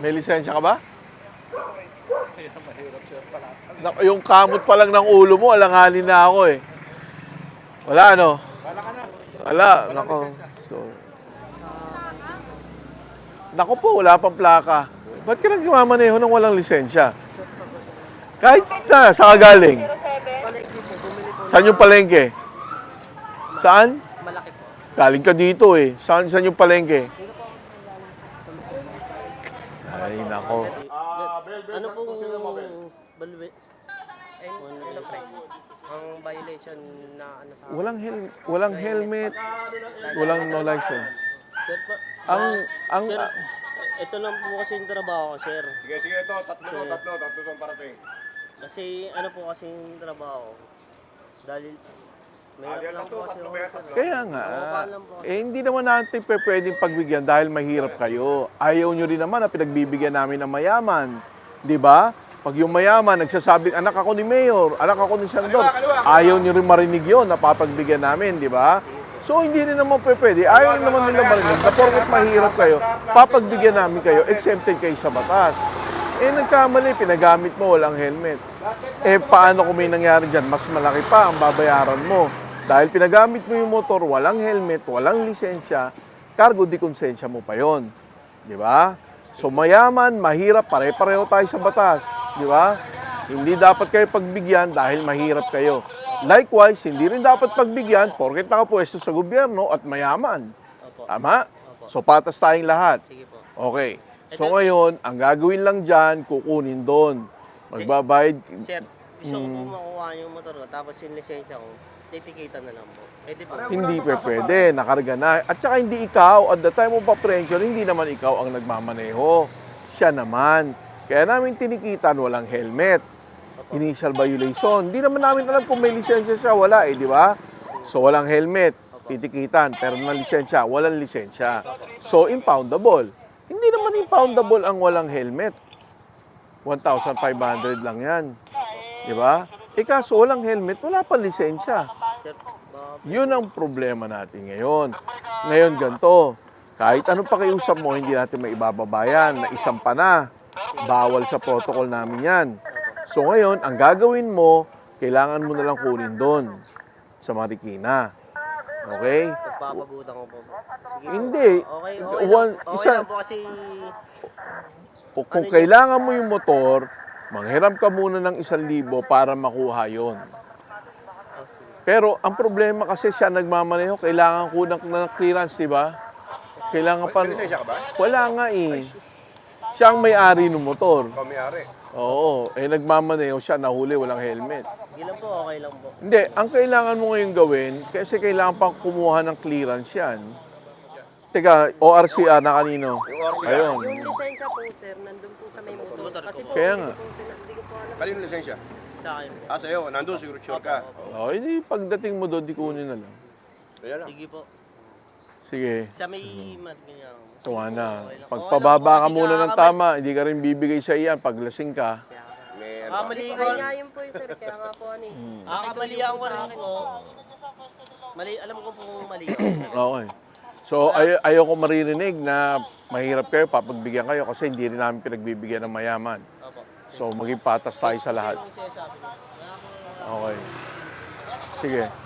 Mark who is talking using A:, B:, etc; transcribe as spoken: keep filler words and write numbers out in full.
A: May lisensya ka ba? Na- Yung kamot pa lang ng ulo mo, alanganin na ako eh. Wala ano? Wala, nako. So, nako po, wala pang plaka. Ba't ka nagmamaneho ng walang lisensya? Kahit na, saan ka galing?
B: Palengke po, bumili po
A: Saan yung palengke? Saan?
B: malaki po.
A: Galing ka dito eh. Saan, saan yung palengke? Ay, nako.
B: Ano pong balwe? Eh, ano pre? Ang violation na ano sa
A: Walang, hel- walang helmet, walang no license.
B: Sir po,
A: Ang, ang,
B: sir, ito lang po kasi yung trabaho ko, sir.
C: Sige, sige, ito. Tatlo to, tatlo. Tatlo to parating.
B: Kasi ano po kasi yung trabaho ko. Dahil mahirap lang po kasi ako, sir.
A: kaya nga, eh hindi naman natin pe pwedeng pagbigyan dahil mahirap kayo. Ayaw nyo rin naman na pinagbibigyan namin ng mayaman. Di ba? Pag yung mayaman, nagsasabing, anak ako ni Mayor, anak ako ni Senador, ayaw nyo rin marinig yun, napapagbigyan namin, di ba? So, hindi rin naman pe pwede. Ayaw naman nila marinig na porket mahirap kayo, papagbigyan namin kayo, exempted kayo sa batas. Eh, nagkamali, pinagamit mo, walang helmet. Eh, paano kung may nangyari dyan? Mas malaki pa ang babayaran mo. Dahil pinagamit mo yung motor, walang helmet, walang lisensya, cargo di konsensya mo pa yon, di ba? So mayaman, mahirap, pare-pareho tayo sa batas, di ba? Hindi dapat kayo pagbigyan dahil mahirap kayo. Likewise, hindi rin dapat pagbigyan porket nakapwesto sa gobyerno at mayaman.
B: Opo.
A: Tama? So patas tayong lahat.
B: Sige po.
A: Okay. So ngayon, ang gagawin lang dyan, kukunin doon. Magbabayad.
B: Sir, gusto ko po makuha yung motor ko, tapos yung lisensya ko, titikitan na lang po. Pwede po.
A: Hindi pa pwede, nakarga na. At saka hindi ikaw, at the time of apprehension, hindi naman ikaw ang nagmamaneho. Siya naman. Kaya namin tinikitan, walang helmet. Initial violation. Hindi naman namin alam kung may lisensya siya, wala eh, di ba? So walang helmet, titikitan, pero na lisensya, walang lisensya. So impoundable. Hindi naman impoundable ang walang helmet. one thousand five hundred lang yan. Di ba? Eh kaso walang helmet, wala pa lisensya.
B: Sir, baka
A: Yun ang problema natin ngayon. Ngayon ganito, kahit anong pakiusap mo, hindi natin maibababayan na isang pa na. Bawal sa protocol namin yan. So ngayon, ang gagawin mo, kailangan mo na lang kunin doon sa Marikina. Okay?
B: pagpapagutan ko po. Sige po.
A: Hindi.
B: Okay, okay,
A: One-
B: lang, okay
A: isa-
B: lang po kasi
A: Kung, kung kailangan mo yung motor, manghiram ka muna ng isang libo para makuha yon.
B: oh, sige.
A: Pero ang problema kasi siya nagmamaneho, kailangan ko ng, ng clearance, di ba? Kailangan pa...
C: May lisensya ka ba?
A: Wala nga eh. Siya ang may-ari ng motor.
C: Ikaw may-ari.
A: Oo, eh nagmamaneho siya, nahuli, walang helmet.
B: Sige lang po, okay lang po.
A: Hindi, ang kailangan mo ngayon gawin, kasi kailangan pang kumuha ng clearance yan. Teka, O R C R na kanino?
C: Yung O R C R.
A: Ayun.
D: Yung lisensya po, sir, nandun po sa may motor. Kasi po,
A: Kaya
D: hindi
A: nga.
D: ko po sila- hindi ko po alam.
C: Kanino lisensya?
B: Sa akin po.
C: Ah, sa'yo. Nandun, siguro sure ka.
A: O, hindi, pagdating mo doon, di kunin na lang.
C: Kaya lang.
B: Sige po.
A: Sige.
B: Sa may mat, ganyan.
A: Tuwa na.
B: Okay lang.
A: Pagpababa ka
B: Okay lang po,
A: muna
B: kasi
A: ng tama, hindi ka rin bibigay sa iyan pag lasing ka.
C: May
B: Ah, mali
D: Ay
B: ko.
D: nga yun po yun, sir. Kaya nga po, ano eh.
A: Hmm.
B: Ah, kamalian ko rin po. Mali, alam ko po mali ako.
A: Okay. So, ay ayaw ko maririnig na mahirap kayo, papagbigyan kayo kasi hindi rin namin pinagbibigyan ng mayaman.
B: Opo.
A: So, maging patas tayo sa lahat.
B: Yung sinasabi ko.
A: Okay. Sige.